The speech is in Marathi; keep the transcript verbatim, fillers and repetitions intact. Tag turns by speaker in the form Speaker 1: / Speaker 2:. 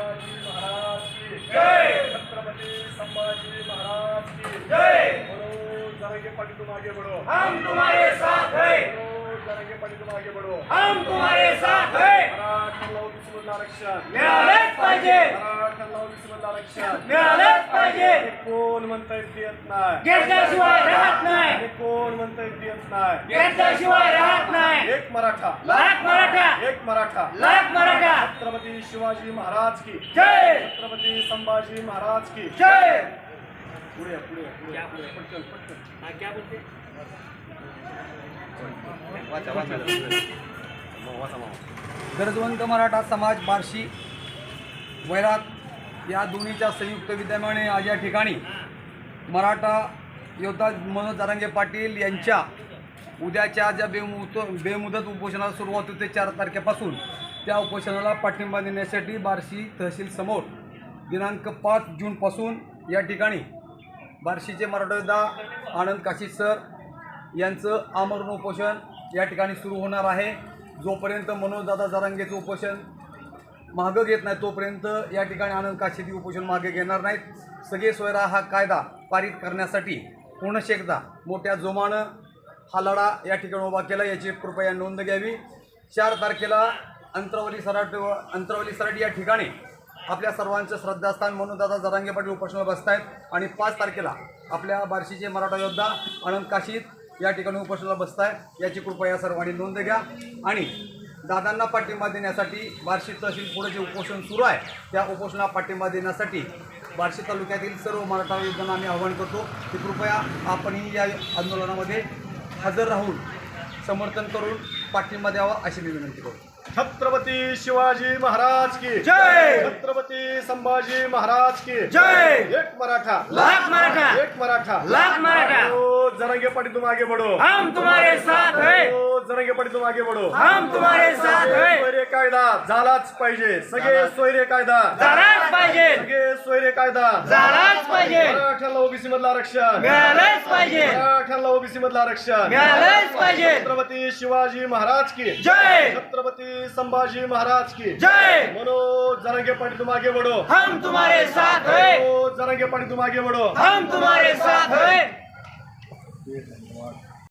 Speaker 1: शिवाजी महाराज की
Speaker 2: जय।
Speaker 1: छत्रपति संभाजी महाराज की
Speaker 2: जय।
Speaker 1: बोलो जरंगे पाटील तुम आगे बढ़ो,
Speaker 2: हम तुम्हारे साथ हैं।
Speaker 1: बोलो जरंगे पाटील तुम आगे बढ़ो,
Speaker 2: हम तुम्हारे साथ हैं।
Speaker 1: मराठ्यांना ओबीसीमधलं आरक्षण
Speaker 2: मिळालेच पाहिजे,
Speaker 1: मराठ्यांना ओबीसीमधलं आरक्षण
Speaker 2: मिळालेच पाहिजे.
Speaker 1: हे कोण म्हणताय देत नाही,
Speaker 2: घेतल्याशिवाय राहत नाही,
Speaker 1: हे कोण म्हणताय देत नाही.
Speaker 2: घेतल्याशिवाय राहत नाही.
Speaker 1: एक मराठा,
Speaker 2: लाख मराठा,
Speaker 1: एक मराठा.
Speaker 2: लाख मराठा.
Speaker 1: छत्रपति शिवाजी महाराज की
Speaker 2: जय.
Speaker 1: छत्रपति संभाजी महाराज की
Speaker 2: जय.
Speaker 1: पुढे पुढे पुढे पुढे पटकन पटकन
Speaker 2: क्या बोलते?
Speaker 3: गरजवंत मराठा समाज बार्शी वैराग या दोन्हीच्या संयुक्त विद्यमाने आज या ठिकाणी मराठा योद्धा मनोज जरांगे पाटील यांच्या उद्याच्या ज्या बेमुत बेमुदत उपोषणाला सुरुवात होते चार तारखेपासून त्या उपोषणाला पाठिंबा देण्यासाठी बार्शी तहसील समोर दिनांक पाच जूनपासून या ठिकाणी बार्शीचे मराठा योद्धा आनंद काशी सर यांचं आमरण उपोषण या ठिकाणी सुरू होणार आहे. जोपर्यंत मनोजदादा जरांगेचं उपोषण मागं घेत नाही तोपर्यंत या ठिकाणी आनंद काशीदी उपोषण मागे घेणार नाहीत. सगळे सोयरा हा कायदा पारित करण्यासाठी पुनश्च एकदा मोठ्या जोमानं हा लढा या ठिकाणी उभा केला, याची कृपया नोंद घ्यावी. चार तारखेला अंतरावली सराट अंतरावली सराट या ठिकाणी आपल्या सर्वांचं श्रद्धास्थान मनोजदादा जरांगे पाटील उपोषणाला बसत आहेत आणि पाच तारखेला आपल्या बार्शीचे मराठा योद्धा आनंद काशीद या ठिकाणी उपोषणाला बसत आहेत, याची कृपया या सर्वांनी नोंद घ्या. आणि दादांना पाठिंबा देण्यासाठी बार्शी तहसील पुढे जे उपोषण सुरू आहे त्या उपोषणाला पाठिंबा देण्यासाठी बार्शी तालुक्यातील सर्व मराठा योद्धांना आम्ही आवाहन करतो की कृपया आपणही या आंदोलनामध्ये हजर राहून समर्थन करून पाठिंबा द्यावा अशी मी विनंती करतो.
Speaker 1: छत्रपति शिवाजी महाराज की
Speaker 2: जय.
Speaker 1: छत्रपति संभाजी महाराज की
Speaker 2: जय.
Speaker 1: एक मराठा,
Speaker 2: लाख मराठा,
Speaker 1: एक मराठा.
Speaker 2: लाख मराठा.
Speaker 1: ओ जरंगे पाटील तुम आगे बढ़ो,
Speaker 2: हम तुम्हारे साथ हैं.
Speaker 1: ओ जरंगे पाटील तुम आगे बढ़ो.
Speaker 2: हम तुम्हारे साथ हैं.
Speaker 1: सोयरे कायदा झालाच पाहिजे, सगळे सोयरे कायदा
Speaker 2: झालाच पाहिजे,
Speaker 1: सगळे सोयरे कायदा
Speaker 2: झालाच पाहिजे.
Speaker 1: मराठ्याला ओबीसी मधलं आरक्षण
Speaker 2: मिळालेच पाहिजे,
Speaker 1: मराठ्याला ओबीसी मधलं आरक्षण
Speaker 2: मिळालेच पाहिजे.
Speaker 1: छत्रपति शिवाजी महाराज की
Speaker 2: जय.
Speaker 1: छत्रपति संभाजी महाराज की
Speaker 2: जय.
Speaker 1: मनोज जरंगे पाटील तुम आगे बढ़ो,
Speaker 2: हम तुम्हारे साथ हैं.
Speaker 1: मनोज जरंगे पाटील तुम आगे बढ़ो.
Speaker 2: हम तुम्हारे साथ हैं.